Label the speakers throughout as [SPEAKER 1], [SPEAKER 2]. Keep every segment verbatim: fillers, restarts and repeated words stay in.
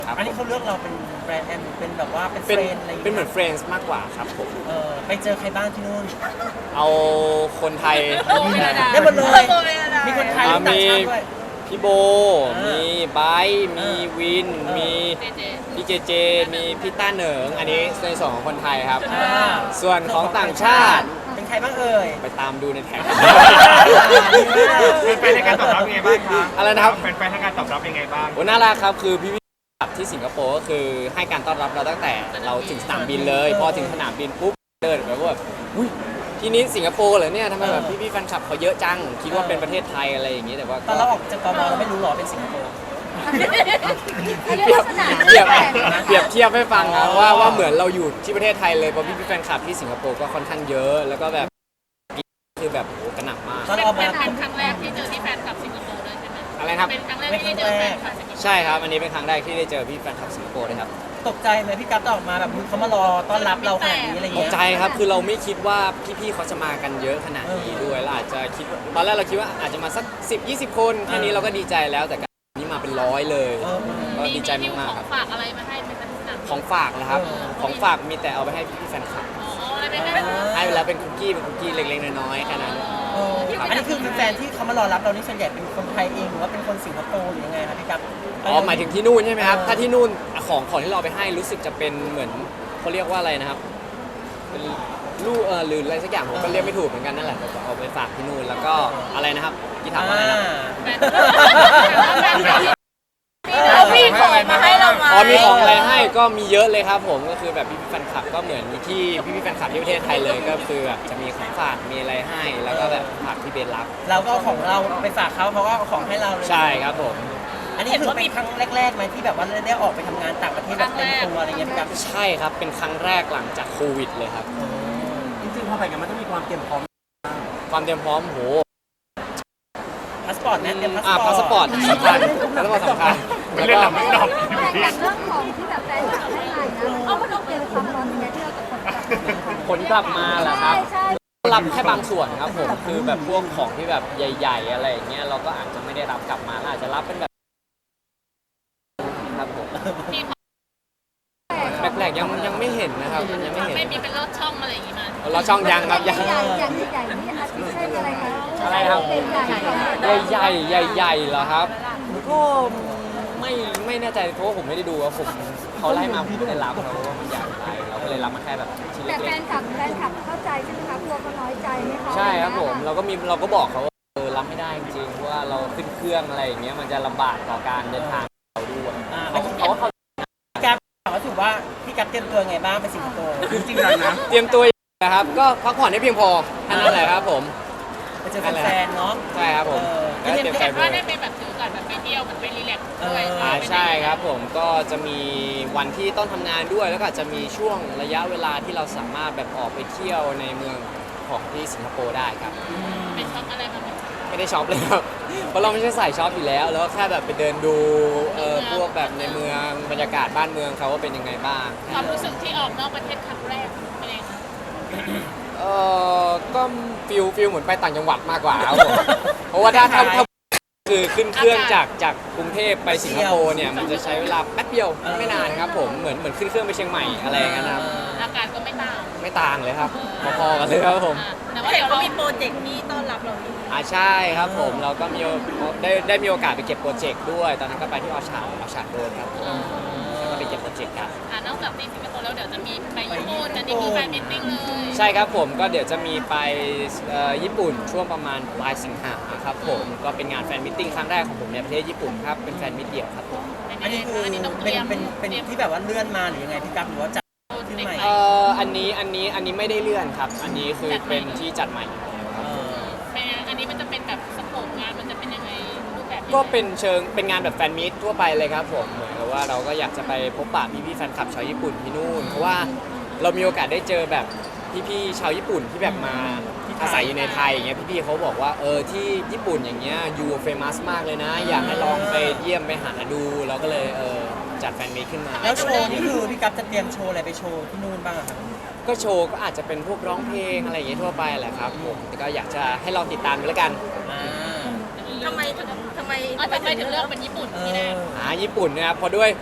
[SPEAKER 1] ครับ
[SPEAKER 2] อันนี้เขาเลือกเราเป็นแบรนด์แอมเป็นแบบว่าเป็นเฟ
[SPEAKER 1] เป็น
[SPEAKER 2] รนอะไรอย่าง
[SPEAKER 1] เป็น
[SPEAKER 2] เงี้ย
[SPEAKER 1] เหมือน friends มากกว่าครับผม
[SPEAKER 2] เออไปเจอใครบ้างที่นู่น
[SPEAKER 1] เอาคนไทย
[SPEAKER 2] ได้หมดเลย มีคนไทย
[SPEAKER 1] อ่า
[SPEAKER 2] ต่าง
[SPEAKER 1] มี
[SPEAKER 2] ชาติด้วย
[SPEAKER 1] พี่โบ
[SPEAKER 2] อ่ามี
[SPEAKER 1] มีไบร์ทมี
[SPEAKER 2] อ่า
[SPEAKER 1] วิน
[SPEAKER 2] อ่ามี
[SPEAKER 1] มีพี่เจเจ มีพี่ต้าเหนิง อันนี้ในส่วนของคนไทยครับ
[SPEAKER 2] อ่า
[SPEAKER 1] ส่วนของต่างชาติ
[SPEAKER 2] เป็นใครบ้างเอ่ย
[SPEAKER 1] ไปตามดูในแท็ก
[SPEAKER 3] เป็นแฟนในการตอบรับยังไงบ้างคะ
[SPEAKER 1] อะไรนะครับ
[SPEAKER 3] เป็นแฟนในการตอบรับยังไงบ้าง
[SPEAKER 1] โอ้น่ารักครับคือพี่พี่ที่สิงคโปร์ก็คือให้การต้อนรับเราตั้งแต่เราถึงสนามบินเลย พอถึงสนามบินปุ๊บเดินแบบว่าแบบอุ้ยที่นี้สิงคโปร์เหรอเนี่ยทำไมแบบพี่พี่ๆแฟนคลับเขาเยอะจังคิดว่าเป็นประเทศไทยอะไรอย่างงี้แต่ว่า
[SPEAKER 2] ตอนเราออกจากกมเราไม่รู้หรอเป็นสิงคโปร์
[SPEAKER 1] เปรียบเปรียบเปรียบเทียบให้ฟังครับว่าว่าเหมือนเราอยู่ที่ประเทศไทยเลยเพราะพี่พี่ๆแฟนคลับที่สิงคโปร์ก็ค่อนข้างเยอะแล้วก็แบบคือแบบโอ้กระหน่ำมาก
[SPEAKER 2] ตอน
[SPEAKER 4] เป็น
[SPEAKER 2] ออกมา
[SPEAKER 4] เป็นครั้งแรกที่เจอที่แฟนคลับสิงคโปร์เลยใช่ไหม
[SPEAKER 1] อะไรครับ
[SPEAKER 4] เป็นครั้งแรกที่ได้เจอแฟนคลับสิงคโปร์
[SPEAKER 1] ใช่ครับอันนี้เป็นครั้งแรกที่ได้เจอพี่แฟนคลับสิงคโปร์เลยครับ
[SPEAKER 2] ตกใจไหมพี่กัฟออกมาแบบเขามารอต้อนรับเราขนาดนี้อะไร
[SPEAKER 1] ต
[SPEAKER 2] เงี้
[SPEAKER 1] ก
[SPEAKER 2] ย
[SPEAKER 1] ใจครับคือเราไม่คิดว่าพี่ๆเขาจะมากันเยอะขนาดนี้ด้วยแล้วอาจจะคิดตอนแรกเราคิดว่าอาจจะมาสักสิบ ยี่สิบคนแค่นี้เราก็ดีใจแล้วแต่การนี้มาเป็นร้อยเลย
[SPEAKER 2] เออ
[SPEAKER 1] ก็ดีใจ
[SPEAKER 4] มี
[SPEAKER 1] มาก
[SPEAKER 4] ข
[SPEAKER 1] ๆ
[SPEAKER 4] อ
[SPEAKER 1] ครับ
[SPEAKER 4] งฝากอะไรมาให้เป็นหนัง
[SPEAKER 1] ของฝากนะครับ
[SPEAKER 2] เออ
[SPEAKER 1] ของฝากมีแต่เอาไปให้พี่ๆแฟนคลับ
[SPEAKER 4] อ๋ออะไรไปให้
[SPEAKER 1] ให้ไปแล้วเป็นคุกกี้เป็นคุกกี้เล็กๆน้อยๆแค่นั้น
[SPEAKER 2] เอออันนี้คือแฟนที่เขามารอรับเรานี่ส่วนใหญ่เป็นคนไทยเองหรือว่าเป็นคนสิงคโปร์หรือยังไงครับพี่กัฟ
[SPEAKER 1] อ๋อหมายถึงที่นู่นใช่ไหมครับ
[SPEAKER 2] เออ
[SPEAKER 1] ถ้าที่นู่นของของที่เราเอาไปให้รู้สึกจะเป็นเหมือนเขาเรียกว่าอะไรนะครับเป็นลูกเออหรืออะไรสักอย่างผมก็เรียกไม่ถูกเหมือนกันนั่นแหละแต่เอาไปฝากที่นู่นแล้วก็อะไรนะครับกี่ถามว่าอะไรนะ
[SPEAKER 4] แฟนเขามีของมาให้เราไหม
[SPEAKER 1] อ๋อมีของอะไรให้ก็มีเยอะเลยครับผมก็คือแบบพี่ๆแฟนคลับก็เหมือนที่พี่ๆแฟนคลับที่ประเทศไทยเลยก็คือแบบจะมีของฝากมีอะไรให้ แล้วก็แบบฝากที่เบนรับ
[SPEAKER 2] เราก็เอาของเราไปฝากเขาเขาก็เอาของให้เราเลย
[SPEAKER 1] ใช่ครับผม
[SPEAKER 2] อันนี้ถือเป็นครั้งแรกๆไหมที่แบบว่าได้ออกไปทำงานต่างประเทศแบบเต็มตัวอะไรเงี้ยพี่กัฟ
[SPEAKER 1] ใช่ครับเป็นครั้งแรกหลังจากโควิดเลยครับ
[SPEAKER 5] จริงๆพอไปกันมันต้องมีความเตรียมพร้อม
[SPEAKER 1] ความเตรียมพร้อมโห
[SPEAKER 2] พาสปอร์ตนะเตรียมพาส
[SPEAKER 1] อ่า
[SPEAKER 2] ปอร์ต
[SPEAKER 1] พาสปอร์ตสำคัญพาสปอร์ตสำคัญ
[SPEAKER 3] ไม่
[SPEAKER 1] แล้ว
[SPEAKER 3] เล่น
[SPEAKER 1] ก็
[SPEAKER 3] หนังไม่ดอก
[SPEAKER 6] แต่เรื่องของที่แบบแฟนคลับให้มานะเอามาดูเตรียมความพร้อมยังไงที่เราจะคนกลับ
[SPEAKER 1] ผลกลับมาเหรอครับ
[SPEAKER 6] ใช่
[SPEAKER 1] รับแค่บางส่วนครับผมคือแบบพวกของที่แบบใหญ่ ๆ อะไรอย่างเงี้ยเราก็อาจจะไม่ได้รับกลับมาอาจจะรับเป็นแบบครับผม
[SPEAKER 4] มีของ
[SPEAKER 1] แปลกๆยังยังไม่เห็นนะครับยังไม่เห็น
[SPEAKER 4] ไม่มีเป็นลอดช่องอะไรอย่างงี้มา
[SPEAKER 1] เราช่องยังครับยัง
[SPEAKER 6] ใหญ่ๆอย่างใหญ่ๆนี่อาทิเช่นอะไรคะ
[SPEAKER 1] อะไรครับ
[SPEAKER 6] ใหญ่ๆ
[SPEAKER 1] ใหญ่ๆใหญ่ๆเหรอครับก็ไม่ไม่แน่ใจเพราะว่าผมไม่ได้ดูว่าผมเขาไล่มาผมไม่ได้รับเราว่ามันใหญ่ไปเราก็เลยรับมาแค่แบบชิ้น
[SPEAKER 6] แต่แฟ
[SPEAKER 1] เล็ก
[SPEAKER 6] นคลับแฟนคลับเข้าใจใช่ไหมคะกลัวเขาน้อยใจไหมคะ
[SPEAKER 1] ๆใช่ครับผมเราก็มีเราก็บอกเขาว่าเออรับไม่ได้จริงๆเพราะว่าเราขึ้นเครื่องอะไรอย่างเงี้ยมันจะลำบากต่อการเดินทางของเราด้วย
[SPEAKER 2] อ่า
[SPEAKER 1] เขาเขาก็เข้า
[SPEAKER 2] พี่กัฟถามว่าถือว่าพี่กัฟเตรียมตัวไงบ้างไปสิงคโปร์
[SPEAKER 3] จริงๆแล้วนะ
[SPEAKER 1] เตรียมตัวนะครับก็พักผ่อนให้เพียงพอแค่นั้นแหละครับผม
[SPEAKER 2] ไปเจอแฟนๆเนาะ
[SPEAKER 1] ใช่ครับผม
[SPEAKER 2] เออ
[SPEAKER 1] ก็เตรียมใจ
[SPEAKER 4] แต่
[SPEAKER 1] ด้ว
[SPEAKER 4] ว่าย ได้ไปแบบถือก่อนแบบไปเที่ยวมันไปรีแลกซ์ด้วย
[SPEAKER 1] อ่าใช่ครับผมก็จะมีวันที่ต้องทำงานด้วย แล้วก็อาจจะมีช่วงระยะเวลาที่เราสามารถแบบออกไปเที่ยวในเมืองของที่สิงคโปร์ได้ครับ
[SPEAKER 4] ไปช็อปอะไรมาไหม
[SPEAKER 1] ไม่ได้ช็อปเลยครับ เพราะเราไม่ใช่สายช็อปอยู่แล้ว แล้วแค่แบบไปเดินดูเออพวกแบบในเมืองบรรยากาศบ้านเมืองเขาว่าเป็นยังไงบ้าง
[SPEAKER 4] ความรู้สึกที่ออกนอกประเทศครั้งแรกเป็นไงคะ
[SPEAKER 1] เออก็ฟิลฟิลเหมือนไปต่างจังหวัดมากกว่าครับผม เพราะว่าถ้าถ้าถ้าคือขึ้นเครื่องจากจากกรุงเทพไปสิงคโปร์เนี่ยมันจะใช้เวลาแป๊บเดียวไม่นานครับผมเหมือนเหมือนขึ้นเครื่องไปเชียงใหม่อะไรอย่างเงี้ยนะครับ
[SPEAKER 4] อากาศก็ไม่ต่าง
[SPEAKER 1] ไม่ต่างเลยครับพอๆกันเลยครับผม
[SPEAKER 4] อ่าแต่ว่าเดี๋ยวเรามีโปรเจกต์นี้ต้อนรับเราอยู่
[SPEAKER 1] อ่าใช่ครับผมเราก็มีโอได้ได้มีโอกาสไปเก็บโปรเจกต์ด้วย ตอนนั้นก็ไปที่ออชาร์ดออชาร์ดโรดครับผมแล้วก็ไปเก็บโปรเจกต์กัน
[SPEAKER 4] อ่านอกจากที่สิงคโปร์แล้วเดี๋ยวจะมีไปญี่ปุ่นอันนี้คือแฟนมิทติ้งเลย
[SPEAKER 1] ใช่ครับผมก็เดี๋ยวจะมีไปเอ่อญี่ปุ่นช่วงประมาณปลายสิงหาครับผมก็เป็นงานแฟนมิทติ้งครั้งแรกของผมในประเทศญี่ปุ่นครับเป็นแฟนมิตเดี่ยวครับผม
[SPEAKER 2] อันนี้คือ
[SPEAKER 4] อันนี้ต้องเต
[SPEAKER 2] เป็
[SPEAKER 4] รี
[SPEAKER 2] น
[SPEAKER 4] ยม
[SPEAKER 2] เป็นเป็นที่แบบว่าเลื่อนมาหรือยังไงพี่กัฟหรือว่าจัดขึ้นใหม่
[SPEAKER 1] เอ่ออันนี้อันนี้อันนี้ไม่ได้เลื่อนครับ อันนี้คือเป็นที่จัดใหม่อยู่แล้วครับ
[SPEAKER 2] เออ
[SPEAKER 4] เป็นยังไงอันนี้มันจะเป็นแบบสโคปงานมันจะเป็นยังไงรูปแบบยังไง
[SPEAKER 1] ก็เป็นเชิงเป็นงานแบบแฟนมิตทั่วไปเลยครับผมเหมือนกับว่าเราก็อยากจะไปพบปะพี่ๆแฟนคลับชาวญี่ปุ่นที่นู่นเพราะว่าเรามีโอกาสได้เจอแบบพี่ๆชาวญี่ปุ่นที่แบบมาอาศัยอยู่ในไทยอย่างเงี้ยพี่ๆเขาบอกว่าเออที่ญี่ปุ่นอย่างเงี้ยยูเฟมัสมากเลยนะ อยากให้ลองไปเยี่ยมไปหาดูเราก็เลยเออจัดแฟนมิตขึ้นมา
[SPEAKER 2] แล้วโชว์นี่คือพี่กัฟจะเตรียมโชว์อะไรไปโชว์ที่นู่นบ้างอะครับ
[SPEAKER 1] ก็โชว์ก็อาจจะเป็นพวกร้องเพลงอะไรอย่างเงี้ยทั่วไปแหละครับผมแต่ก็อยากจะให้ลองติดตามดูแล้วกัน
[SPEAKER 2] อ่า
[SPEAKER 4] ทำไมทำไมทำไมถึงเลือกเป็นญี่ปุ่น
[SPEAKER 2] เอ
[SPEAKER 4] ที่แร
[SPEAKER 2] อก
[SPEAKER 1] อ่าญี่ปุ่นนะครับเพราะด้วย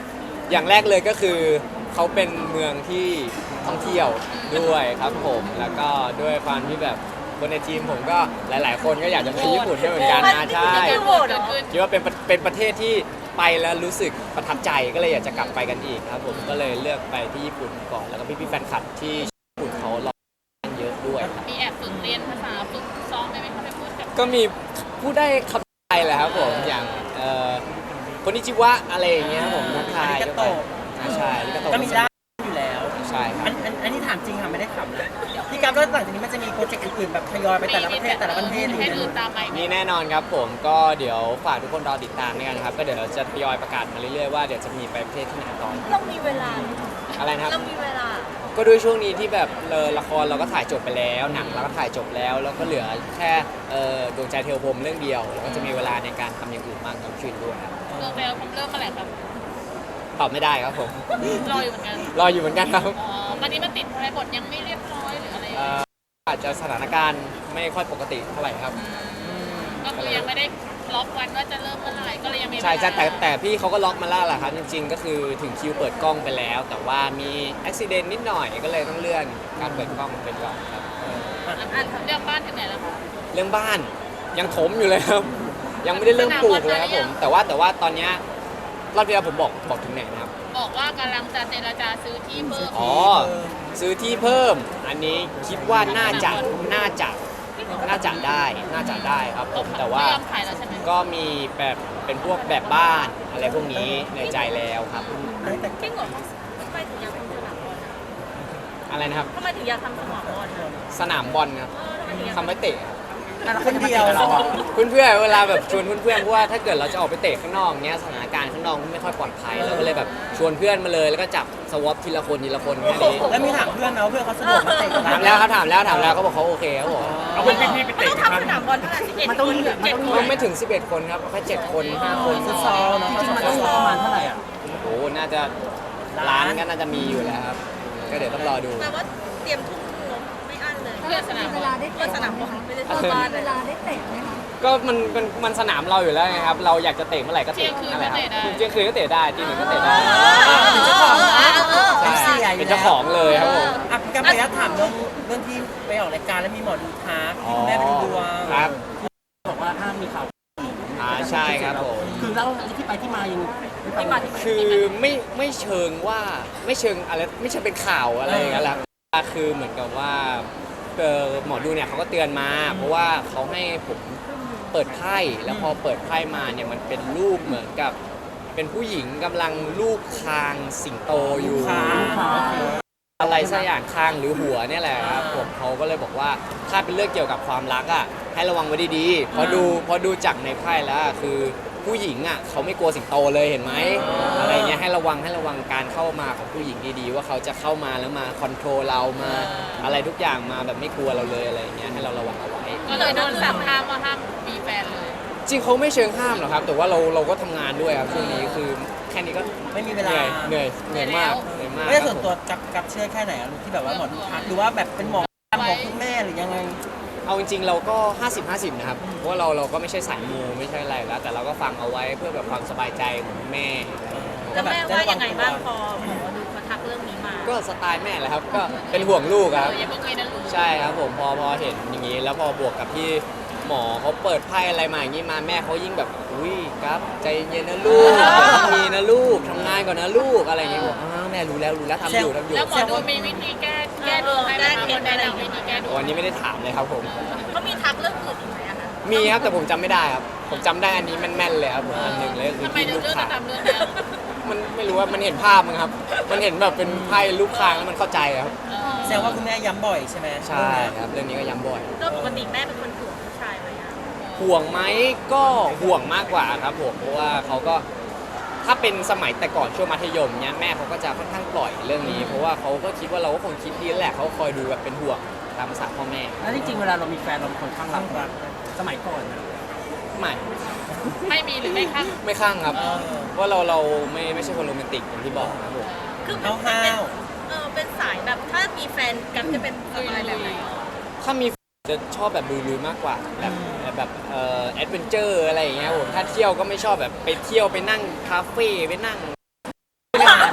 [SPEAKER 1] อย่างแรกเลยก็คือเขาเป็นเมืองที่ท่องเที่ยวด้วยครับผมแล้วก็ด้วยความที่แบบคนในทีมผมก็หลาย ๆ คนก็อยากจะไปญี่ปุ่นด้วยเหมือนกันนะใช่
[SPEAKER 4] โหวตเกิดขึ้น
[SPEAKER 1] คิดว่าเป็นประเป็นประเทศที่ไปแล้วรู้สึกประทับใจก็เลยอยากจะกลับไปกันอีกครับผมก็เลยเลือกไปที่ญี่ปุ่นก่อนแล้วก็พี่ๆแฟนคลับที่ญี่ปุ่นเขารอเยอะด้วยครับ
[SPEAKER 4] มีแอบฝึกเรียนภาษาฝึกซ้อมได้ไหมคะไปพูดกับ
[SPEAKER 1] ก็มีพูดได้คำไทยแหละครับผมอย่างเอ่อคนนิจิวะอะไรอย่างเงี้ยครับผมทักทาย
[SPEAKER 2] อาริกาโตะ
[SPEAKER 1] อ่าใช่อาริกาโตะ
[SPEAKER 2] ก็มีได้อยู่แล้ว
[SPEAKER 1] ใช่ครับ
[SPEAKER 2] อันอันอันนี้ถามจริงค่ะไม่ได้ขำนะพี่กับแล้วหลังจากนี้มันจะมีโปรเจกต์อื่นๆแบบทยอยไปแต่ละประเทศแต่ละประเทศอะไร
[SPEAKER 4] ให้
[SPEAKER 2] อย่าง
[SPEAKER 4] ดู
[SPEAKER 2] เงี้ย
[SPEAKER 4] ตามไป
[SPEAKER 1] มีแน่นอนครับผมก็เดี๋ยวฝากทุกคนรอติดตามด้วยกันนะครับก็เดี๋ยวเราจะทยอยประกาศมาเรื่อยๆว่าเดี๋ยวจะมีไปประเทศที่ไหนต่อ
[SPEAKER 6] เรามีเวลาไหม
[SPEAKER 1] อะไรนะครับ
[SPEAKER 6] เรามีเวลา
[SPEAKER 1] ก็ด้วยช่วงนี้ที่แบบเออละครเราก็ถ่ายจบไปแล้วหนังเราก็ถ่ายจบแล้วแล้วก็เหลือแค่เอ่อดวงใจเทวพรหมเรื่องเดียวแล้วก็จะมีเวลาในการทำอย่างอื่นมากยิ่งขึ้นด้วยครับ
[SPEAKER 4] เรื่องแล้วผมเริ่มเมื่อไหร่ครับ
[SPEAKER 1] ตอบไม่ได้ครับผม
[SPEAKER 4] รออยู่เหมือนกัน
[SPEAKER 1] รออยู่เหมือนกันครับ
[SPEAKER 4] อ๋อวันนี้มันติดอะไรบทยังไม่เรียบร้อยหรืออะไร
[SPEAKER 1] เอ่ออาจจะสถานการณ์ไม่ค่อยปกติเท่าไหร่ครับ
[SPEAKER 4] ก็คือยังไม่ได้ล็อกวันว่าจะเริ่มเมื่อไหร่ก็เลยยังมีเวลา
[SPEAKER 1] ใช่ใช่แต่แต่พี่เขาก็ล็อกมาแล้วแหละครับจริงๆ ก็คือถึงคิวเปิดกล้องไปแล้ว แต่ว่ามีอุบิเหตุนิดหน่อยก็เลยต้องเลื่อนการเปิดกล้องเป็นก่อนครับ
[SPEAKER 4] อ่ะเรื่องบ้านถึงไหนแล้วคะ
[SPEAKER 1] เรื่องบ้านยังถมอยู่เลยครับ ยังไม่ได้เริ่มปลูกเลยครับผมแต่ว่าแต่ว่าตอนเนี้ยรอบที่แล้วผมบอกบอกถึงไหนนะครับ
[SPEAKER 4] บอกว่ากำลังจะเจรจาซื้อที่เพิ่ม
[SPEAKER 1] อ๋อซื้อที่เพิ่ม อันนี้คิดว่าน่าจะน่าจะน่าจะได้น่าจะได้ครับผมแต่ว่า
[SPEAKER 4] ไม่ยอมขายแล้วใช่ไหม
[SPEAKER 1] ก็มีแบบเป็นพวกแบบบ้านอะไรพวกนี้ในใจแล้วครับ
[SPEAKER 2] อันนี้แต่
[SPEAKER 6] จริงเหรอทำไมถึงอยากทำสนามบอล
[SPEAKER 1] อะไรนะครับ
[SPEAKER 6] ทำไมถึงอยากทำสนามบอลอะ
[SPEAKER 1] สนามบอลครับ
[SPEAKER 6] เออทำไมถึงอยาก
[SPEAKER 1] ทำไว้เตะครับ
[SPEAKER 5] อ่ะแล้วคนเดียวเราอ่ะ
[SPEAKER 1] เพื่อนๆเวลาแบบชวนเพื่อนๆเพราะว่าถ้าเกิดเราจะออกไปเตะข้างนอกเนี้ยสถานการณ์ข้างนอกไม่ค่อยปลอดภัยเราก็เลยแบบชวนเพื่อนมาเลยแล้วก็จับสวอปทีละคนทีละคนแค่นี้
[SPEAKER 2] แล้วมีถามเพื่อนไหมว่าเพื่อนเขาสะดวกมาเตะกับ
[SPEAKER 1] ถามแล้วครับถามแล้วถามแล้วเขาบอกเขาโอเคเขาบอก
[SPEAKER 3] เอาเป็นพี่ๆไป
[SPEAKER 6] ไม่
[SPEAKER 3] เตะ
[SPEAKER 6] ต้อง
[SPEAKER 3] กันครั
[SPEAKER 6] ทำสนามบอลเท่าไหร่สิบเอ็ด
[SPEAKER 5] มัน
[SPEAKER 6] ค
[SPEAKER 5] ต้อง
[SPEAKER 6] น
[SPEAKER 5] มี
[SPEAKER 6] เจ็ด
[SPEAKER 5] มัน
[SPEAKER 6] ค
[SPEAKER 5] ต้อง
[SPEAKER 6] น
[SPEAKER 1] ไม่ถึงสิบเอ็ดคนครับแค่เจ็ดคนห้าคน
[SPEAKER 2] ฟุตซอลเนาะ
[SPEAKER 5] จริงๆมันต้องมีประมาณเท่าไหร่อ่ะ
[SPEAKER 1] โอ้โหน่าจะร้านก็น่าจะมีอยู่แล้วครับก็เดี๋ยวต้องรอดู
[SPEAKER 6] แปลว่าเตรียมทุ่มงบไม่อั้นเลย
[SPEAKER 4] เพื่อสนาม
[SPEAKER 6] เวลาได้เพื่อสนามบอลไม่ได้
[SPEAKER 1] เออ
[SPEAKER 6] เวลาได้เตะไหมคะ
[SPEAKER 1] ก็มันมันมันสนามเราอยู่แล้วไงครับเราอยากจะเตะเมื่อไหร่ก็เตะนั่นแหละครับเที่ยงคืนก็เตะได้ตีหนึ่งก็เตะได้
[SPEAKER 2] เป็นเจ้าของนะ
[SPEAKER 1] ใช่
[SPEAKER 2] เป็นเสียอยู่
[SPEAKER 1] เป็น
[SPEAKER 2] แล้ว
[SPEAKER 1] เจ้าของเลยครับผม
[SPEAKER 2] อ่ะพี่กับไปแล้วถามเรื่องเรื่องที่ไปออกรายการแล้วมีหมอดูทักที่คุณแม่ไปดูดวง
[SPEAKER 1] ครับ
[SPEAKER 5] บอกว่าห้ามมีข่าว
[SPEAKER 1] อ่าใช่ครับผม
[SPEAKER 5] คือเล่าที่ไปที่มายังไม่ฟัง
[SPEAKER 6] ที่มาที่ไป
[SPEAKER 1] คือไม่ไม่เชิงว่าไม่เชิงอะไรไม่ใช่เป็นข่าวอะไรอย่างเงี้ยแหละคือเหมือนกับว่าเอ่อหมอดูเนี่ยเขาก็เตือนมา เพราะว่าเขาให้ผมเปิดไพ่แล้วพอเปิดไพ่มาเนี่ยมันเป็นรูปเหมือนกับเป็นผู้หญิงกำลังลูบคางสิงโตอยู่
[SPEAKER 2] คาง
[SPEAKER 5] ข่าวโอเค
[SPEAKER 1] อะไรสักอย่างคางหรือหัวเนี่ยแหละครับผมเขาก็เลยบอกว่าถ้าเป็นเรื่องเกี่ยวกับความรักอ่ะให้ระวังไว้ดีๆพอดูพอดูจากในไพ่แล้วอะคือผู้หญิงอ่ะเขาไม่กลัวสิงโตเลยเห็นไหมอะไรเงี้ยให้ระวังให้ระวังการเข้ามาของผู้หญิงดีๆว่าเขาจะเข้ามาแล้วมาคอนโทรลเรามาอะไรทุกอย่างมาแบบไม่กลัวเราเลยอะไรเงี้ยให้เราระวังเอาไว้
[SPEAKER 4] ก็เลยโดนสั่งห้ามว่าห้ามมีแฟนเลย
[SPEAKER 1] จริงเขาไม่เชิงห้ามหรอกครับ แต่ว่าเราเราก็ทำงานด้วยครับช่วงนี้คือแค่นี้ก็
[SPEAKER 2] ไม่มีเว
[SPEAKER 1] เห
[SPEAKER 2] ลา
[SPEAKER 1] นื่อยเหนื่อยเหนื่อยมากเหนื่อยมาก
[SPEAKER 2] ไม่ได้
[SPEAKER 1] ครับ
[SPEAKER 2] ส่วน
[SPEAKER 1] ผม
[SPEAKER 2] ตัวกับกับเชื่อแค่ไหนอะลูกที่แบบว่าหมอดูทักหรือว่าแบบเป็นหมอของคุณแม่หรือยังไง
[SPEAKER 1] เอาจริงๆเราก็ ห้าสิบ ห้าสิบ นะครับ เพราะว่าเราเราก็ไม่ใช่สายมูไม่ใช่อะไรแล้ว แต่เราก็ฟังเอาไว้เพื่อแบบความสบายใจของแม่
[SPEAKER 6] แล้วแม่ว่ายังไงบ้างพอหมอดูเขาทักเรื่องนี้มา
[SPEAKER 1] ก็สไตล์แม่แหละครับ ก็เป็นห่วงลูก
[SPEAKER 4] เอ
[SPEAKER 1] ค
[SPEAKER 4] อ
[SPEAKER 1] รับ
[SPEAKER 4] อย่าเพิ่งมีนะลูก
[SPEAKER 1] ใช่ครับผมพอพอเห็นอย่างนี้ แล้วพอบวกกับที่หมอเขาเปิดไพ่อะไรมาอย่างนี้มาแม่เขายิ่งแบบอุ้ยครับใจเย็นนะลูกอย่าเพิ่งมีนะลูกทำงานก่อนนะลูกอะไรอย่างเงี้ยบอกอ้าวแม่รู้แล้วรู้แล้วทำอยู่ทำอยู่
[SPEAKER 4] แล้วหมอดูมีวิธีแก้แก้ดวงให้ไหมคะคนแนะนำวิธีแก้ดวง
[SPEAKER 1] วันนี้ไม่ได้ถามเลยครับผม
[SPEAKER 6] เขามีทักเรื่องอื่นอีกไหมอะคะ
[SPEAKER 1] มีครับแต่ผมจำไม่ได้ครับ ผมจำได้อันนี้แม่นๆเลยครับผมอันหนึ่งเลยก็คือ
[SPEAKER 4] ทำไม
[SPEAKER 1] ที่
[SPEAKER 4] เรื่
[SPEAKER 1] ลู
[SPEAKER 4] อก ง
[SPEAKER 1] ค้า
[SPEAKER 4] จะทำเรื่องแล้ว
[SPEAKER 1] มันไม่รู้ว่ามันเห็นภาพมั้งครับ มันเห็นแบบเป็นไพ่ลูกคางแล้วมันเข้าใจครับ
[SPEAKER 4] เออ
[SPEAKER 2] แสดงว่าคุณแม่ย้ำบ่อยใช่ไหม
[SPEAKER 1] ใช่ครับ เรื่องนี้ก็ย้ำบ่อย
[SPEAKER 6] โดยปกติแม่เป็นคนห่วงผู้ชายไหมอะ
[SPEAKER 1] ห่วงไหมก็ห่วงมากกว่าครับผมเพราะว่าเขาก็ถ้าเป็นสมัยแต่ก่อนช่วงมัธยมเนี้ยแม่เขาก็จะค่อนข้างปล่อยเรื่องนี้ เพราะว่าเขาก็คิดว่าเราก็คงคิดดีแหละเขาคอยดูแบบเป็นห่วงตามภาษาพ่อแม่
[SPEAKER 5] แล้วจริงๆเวลาเรามีแฟนเราเป็นคนข้างรักรักสมัยก่อนนะ
[SPEAKER 1] ไม่
[SPEAKER 4] ไม่มีหรือไม่ข้าง
[SPEAKER 1] ไม่ข้างครับ
[SPEAKER 2] เออ
[SPEAKER 1] เพราะเราเราไม่ไม่ใช่คนโรแมนติกอย่างที่บอกนะครับผม
[SPEAKER 6] คือ
[SPEAKER 2] ห้าว
[SPEAKER 6] เป็น
[SPEAKER 2] ห้าว
[SPEAKER 6] เออเป็นสายแบบถ้ามีแฟนกันจะเป็นสไตล์แบบไหน
[SPEAKER 1] ถ้ามีจะชอบแบบลุยๆมากกว่าแบบแบบเอ่อแอดเวนเจอร์อะไรอย่างเงี้ยผมถ้าเที่ยวก็ไม่ชอบแบบไปเที่ยวไปนั่งคาเฟ่ไปนั่ง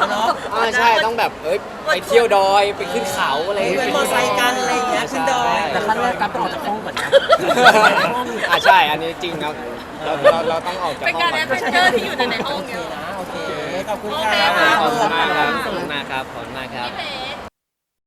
[SPEAKER 1] อ่าใช่ต้องแบบเอ้ยไปเที่ยวดอยไปขึ้นเขาอะไร
[SPEAKER 2] เป็นมอไซค์กันอะไรอย่างเงี้ยขึ้นดอย
[SPEAKER 5] แต่ขั้นแรกกับต้องออกจากห้องก่อนนะ
[SPEAKER 1] อ่าใช่อันนี้จริงครับเราเราเราต้องออกจาก
[SPEAKER 4] เป็น
[SPEAKER 1] ห้อง
[SPEAKER 4] การ
[SPEAKER 1] ก่
[SPEAKER 4] แอ
[SPEAKER 1] อน
[SPEAKER 4] ดเวนเจอร์ที่อยู่ในในห้อง
[SPEAKER 2] โอเค
[SPEAKER 4] เยอะ
[SPEAKER 2] นะโอเคขอบคุณ
[SPEAKER 4] โอ
[SPEAKER 2] ค
[SPEAKER 4] เค
[SPEAKER 2] รับ
[SPEAKER 1] ขอบคุณมากครับขอบคุณมากครับขอบคุณมากครับ
[SPEAKER 4] พี่เพ